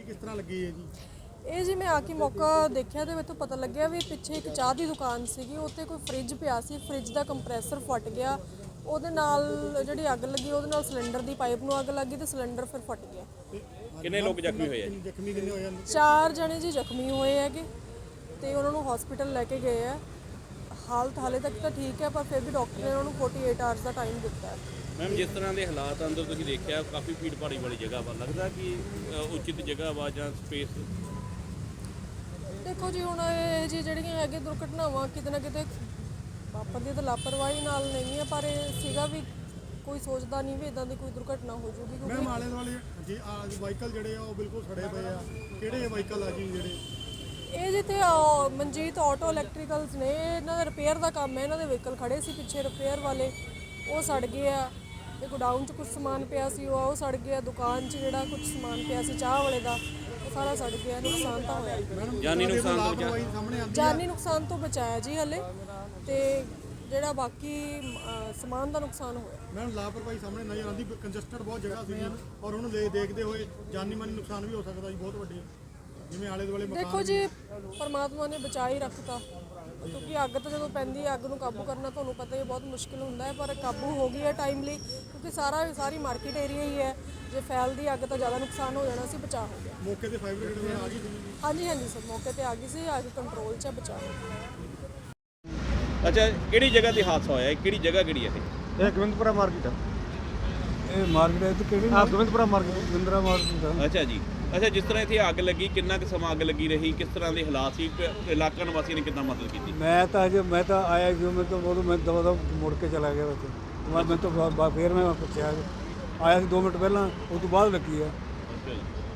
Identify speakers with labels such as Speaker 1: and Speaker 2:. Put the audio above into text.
Speaker 1: ਕਿਸ ਤਰ੍ਹਾਂ ਲੱਗੀ ਹੈ ਜੀ?
Speaker 2: ਇਹ ਜੀ ਮੈਂ ਆ ਕੇ ਮੌਕਾ ਦੇਖਿਆ ਤੇ ਮੈਨੂੰ ਪਤਾ ਲੱਗਿਆ ਵੀ ਪਿੱਛੇ ਇੱਕ ਚਾਹ ਦੀ ਦੁਕਾਨ ਸੀਗੀ, ਉੱਤੇ ਕੋਈ ਫ੍ਰਿਜ ਪਿਆ ਸੀ, ਫ੍ਰਿਜ ਦਾ ਕੰਪਰੈਸਰ ਫਟ ਗਿਆ, ਉਹਦੇ ਨਾਲ ਜਿਹੜੀ ਅੱਗ ਲੱਗੀ ਉਹਦੇ ਨਾਲ ਸਿਲੰਡਰ ਦੀ ਪਾਈਪ ਨੂੰ ਅੱਗ ਲੱਗੀ ਤੇ ਸਿਲੰਡਰ ਫਿਰ ਫਟ ਗਿਆ।
Speaker 3: ਕਿੰਨੇ ਲੋਕ ਜ਼ਖਮੀ ਹੋਏ ਆ ਜੀ?
Speaker 1: ਜ਼ਖਮੀ ਕਿੰਨੇ ਹੋਏ ਹਨ?
Speaker 2: 4 ਜਣੇ ਜੀ ਜ਼ਖਮੀ ਹੋਏ ਹੈਗੇ ਤੇ ਉਹਨਾਂ ਨੂੰ ਹਸਪੀਟਲ ਲੈ ਕੇ ਗਏ ਆ। ਹਾਲਤ ਹਾਲੇ ਤੱਕ ਤਾਂ ਠੀਕ ਹੈ, ਪਰ ਫਿਰ ਵੀ ਡਾਕਟਰ ਨੇ ਉਹਨਾਂ ਨੂੰ 48 ਆਵਰਸ ਦਾ ਟਾਈਮ ਦਿੱਤਾ ਹੈ।
Speaker 3: ਮੈਮ, ਜਿਸ ਤਰ੍ਹਾਂ ਦੇ ਹਾਲਾਤ ਅੰਦਰ ਤੁਸੀਂ ਦੇਖਿਆ, ਕਾਫੀ ਭੀੜ ਭਾੜੀ ਵਾਲੀ ਜਗ੍ਹਾ ਵਾ, ਲੱਗਦਾ ਕਿ ਉਚਿਤ ਜਗ੍ਹਾ ਵਾ ਜਾਂ ਸਪੇਸ?
Speaker 2: ਦੇਖੋ ਜੀ, ਹੁਣ ਇਹ ਜੀ ਜਿਹੜੀਆਂ ਹੈਗੇ ਦੁਰਘਟਨਾਵਾਂ ਕਿਤੇ ਨਾ ਕਿਤੇ ਵਾਪਰਦੀਆਂ ਤਾਂ ਲਾਪਰਵਾਹੀ ਨਾਲ ਨਹੀਂ ਹੈ, ਪਰ ਇਹ ਸੀਗਾ ਵੀ ਕੋਈ ਸੋਚਦਾ ਨਹੀਂ ਵੀ ਇਦਾਂ ਦੀ ਕੋਈ ਦੁਰਘਟਨਾ ਹੋ ਜੂਗੀ।
Speaker 1: ਮੈਮ, ਆਲੇ ਦੁਆਲੇ ਜੀ ਵਾਹੀਕਲ ਜਿਹੜੇ ਆ ਉਹ ਬਿਲਕੁਲ ਸੜੇ ਪਏ ਆ। ਕਿਹੜੇ ਵਾਹੀਕਲ ਆ ਜੀ ਜਿਹੜੇ?
Speaker 2: ਇਹ ਜਿੱਥੇ ਮਨਜੀਤ ਆਟੋ ਇਲੈਕਟ੍ਰੀਕਲਸ ਨੇ, ਇਹਨਾਂ ਦਾ ਰਿਪੇਅਰ ਦਾ ਕੰਮ ਹੈ। ਇਹਨਾਂ ਦੇ ਵਹੀਕਲ ਖੜੇ ਸੀ ਪਿੱਛੇ ਰਿਪੇਅਰ ਵਾਲੇ, ਉਹ ਸੜ ਗਏ ਆ। ਤੇ ਗੋਡਾਊਨ 'ਚ ਕੁਝ ਸਮਾਨ ਪਿਆ ਸੀ, ਉਹ ਸੜ ਗਿਆ। ਦੁਕਾਨ 'ਚ ਜਿਹੜਾ ਕੁਝ ਸਮਾਨ ਪਿਆ ਸੀ ਚਾਹ ਵਾਲੇ ਦਾ, ਉਹ ਸਾਰਾ ਸੜ ਗਿਆ। ਨੁਕਸਾਨ ਤਾਂ ਹੋਇਆ।
Speaker 3: ਜਾਨੀ ਨੁਕਸਾਨ ਤੋਂ
Speaker 1: ਸਾਹਮਣੇ ਆਉਂਦੀ?
Speaker 2: ਜਾਨੀ ਨੁਕਸਾਨ ਤੋਂ ਬਚਾਇਆ ਜੀ ਹਲੇ, ਤੇ ਜਿਹੜਾ ਬਾਕੀ ਸਮਾਨ ਦਾ ਨੁਕਸਾਨ ਹੋਇਆ।
Speaker 1: ਮੈਮ, ਲਾਪਰਵਾਹੀ ਸਾਹਮਣੇ ਨਜ਼ਰ ਆਉਂਦੀ। ਕੰਜਸਟਡ ਬਹੁਤ ਜਗ੍ਹਾ ਸੀ ਔਰ ਉਹਨੂੰ ਦੇਖਦੇ ਹੋਏ ਜਾਨੀ ਮਾਨੀ ਨੁਕਸਾਨ ਵੀ ਹੋ ਸਕਦਾ ਜੀ, ਬਹੁਤ ਵੱਡੇ, ਜਿਵੇਂ ਆਲੇ ਦੁਆਲੇ ਮਕਾਨ।
Speaker 2: ਦੇਖੋ ਜੀ, ਪਰਮਾਤਮਾ ਨੇ ਬਚਾ ਹੀ ਰੱਖਤਾ, ਕਿਉਂਕਿ ਅੱਗ ਤਾਂ ਜਦੋਂ ਪੈਂਦੀ ਹੈ, ਅੱਗ ਨੂੰ ਕਾਬੂ ਕਰਨਾ ਤੁਹਾਨੂੰ ਪਤਾ ਹੀ ਬਹੁਤ ਮੁਸ਼ਕਿਲ ਹੁੰਦਾ ਹੈ, ਪਰ ਕਾਬੂ ਹੋ ਗਈ ਹੈ ਟਾਈਮਲੀ, ਕਿਉਂਕਿ ਸਾਰੀ ਮਾਰਕੀਟ ਏਰੀਆ ਹੀ ਹੈ। ਜੇ ਫੈਲਦੀ ਅੱਗ ਤਾਂ ਜ਼ਿਆਦਾ ਨੁਕਸਾਨ ਹੋ ਜਾਣਾ ਸੀ, ਬਚਾਅ ਹੋ ਗਿਆ।
Speaker 1: ਮੌਕੇ ਤੇ ਫਾਇਰ ਬ੍ਰਿਗੇਡ ਆ ਗਈ ਸੀ?
Speaker 2: ਹਾਂਜੀ ਸਰ, ਮੌਕੇ ਤੇ ਆ ਗਈ ਸੀ, ਅੱਗ ਕੰਟਰੋਲ 'ਚ ਬਚਾਅ ਹੋ ਗਿਆ।
Speaker 3: ਅੱਛਾ, ਕਿਹੜੀ ਜਗ੍ਹਾ ਤੇ ਹਾਦਸਾ ਹੋਇਆ? ਕਿਹੜੀ ਜਗ੍ਹਾ ਕਿਹੜੀ ਹੈ
Speaker 4: ਇਹ ਗੋਬਿੰਦਪੁਰਾ ਮਾਰਕੀਟ ਆ। ਇਹ ਮਾਰਕੀਟ ਹੈ ਤੇ ਕਿਹੜੀ? ਗੋਬਿੰਦਪੁਰਾ ਮਾਰਕੀਟ, ਗੋਬਿੰਦਰਾ ਮਾਰਕੀਟ ਆ।
Speaker 3: ਅੱਛਾ ਜੀ। ਅੱਛਾ, ਜਿਸ ਤਰ੍ਹਾਂ ਇੱਥੇ ਅੱਗ ਲੱਗੀ, ਕਿੰਨਾ ਕੁ ਸਮਾਂ ਅੱਗ ਲੱਗੀ ਰਹੀ, ਕਿਸ ਤਰ੍ਹਾਂ ਦੇ ਹਾਲਾਤ ਸੀ, ਇਲਾਕਾ ਨਿਵਾਸੀਆਂ ਨੇ ਕਿੱਦਾਂ ਮਦਦ ਕੀਤੀ?
Speaker 4: ਮੈਂ ਤਾਂ ਆਇਆ ਜੋ ਮੈਂ ਦਵਾ ਮੁੜ ਕੇ ਚਲਾ ਗਿਆ ਉੱਥੇ। ਮੈਂ ਤਾਂ ਫਿਰ ਮੈਂ ਪੁੱਛਿਆ, ਆਇਆ ਸੀ 2 ਮਿੰਟ ਪਹਿਲਾਂ, ਉਸ ਤੋਂ ਬਾਅਦ ਲੱਗੀ ਆ।
Speaker 3: ਅੱਛਾ ਜੀ।